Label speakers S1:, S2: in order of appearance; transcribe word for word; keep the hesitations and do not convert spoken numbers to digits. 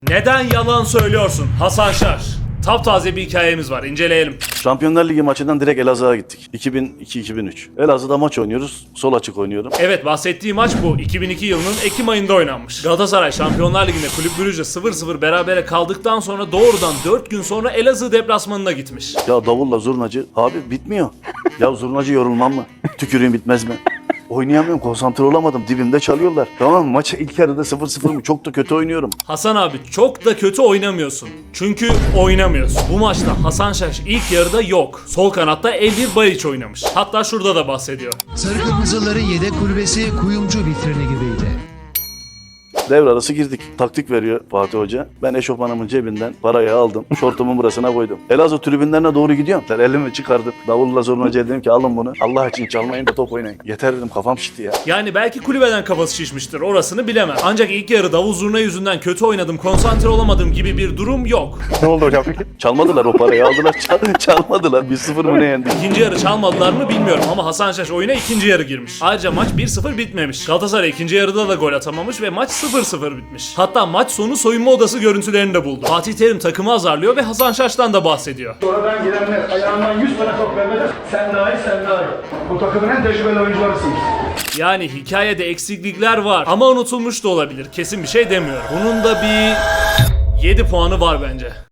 S1: Neden yalan söylüyorsun Hasan Şaş? Taptaze bir hikayemiz var, inceleyelim.
S2: Şampiyonlar Ligi maçından direkt Elazığ'a gittik. iki bin iki iki bin üç. Elazığ'da maç oynuyoruz. Sol açık oynuyorum.
S1: Evet, bahsettiği maç bu. iki bin iki yılının Ekim ayında oynanmış. Galatasaray Şampiyonlar Ligi'nde Kulüp Brugge sıfır sıfır berabere kaldıktan sonra doğrudan dört gün sonra Elazığ deplasmanına gitmiş.
S2: Ya davulla zurnacı. Abi bitmiyor. Ya zurnacı yorulmam mı? Tükürüğüm bitmez mi? Oynayamıyorum, konsantre olamadım. Dibimde çalıyorlar. Tamam mı? Maç ilk yarıda sıfır sıfır mı? Çok da kötü oynuyorum.
S1: Hasan abi, çok da kötü oynamıyorsun. Çünkü oynamıyorsun. Bu maçta Hasan Şaş ilk yarıda yok. Sol kanatta Elvir Baliç oynamış. Hatta şurada da bahsediyor.
S3: Sarı Kırmızıların yedek kulübesi kuyumcu vitrini gibiydi.
S2: Devre arası girdik. Taktik veriyor Fatih Hoca. Ben eşofmanımın cebinden parayı aldım. Şortumun burasına koydum. Elazığ tribünlerine doğru gidiyorum. Ben elimi çıkardım. Davulla zurnacıya dedim ki alın bunu. Allah için çalmayın da top oynayın. Yeter dedim, kafam şişti ya.
S1: Yani belki kulübeden kafası şişmiştir, orasını bilemem. Ancak ilk yarı davul zurna yüzünden kötü oynadım, konsantre olamadım gibi bir durum yok.
S2: Ne oldu hocam? Çalmadılar o parayı, aldılar. Çal çalmadılar. bir sıfır mı ne yendik?
S1: İkinci yarı çalmadılar mı bilmiyorum ama Hasan Şaş oyuna ikinci yarı girmiş. Ayrıca maç bir sıfır bitmemiş. Galatasaray ikinci yarıda da gol atamamış ve maç sıfır sıfır bitmiş. Hatta maç sonu soyunma odası görüntülerini de buldu. Fatih Terim takımı azarlıyor ve Hasan Şaş'tan da bahsediyor.
S4: Sonradan gelenler ayağından yüz tane top vermeden sen dahil sen dahil. Bu takımın en tecrübeli oyuncularısın.
S1: Yani hikayede eksiklikler var ama unutulmuş da olabilir. Kesin bir şey demiyorum. Bunun da bir yedi puanı var bence.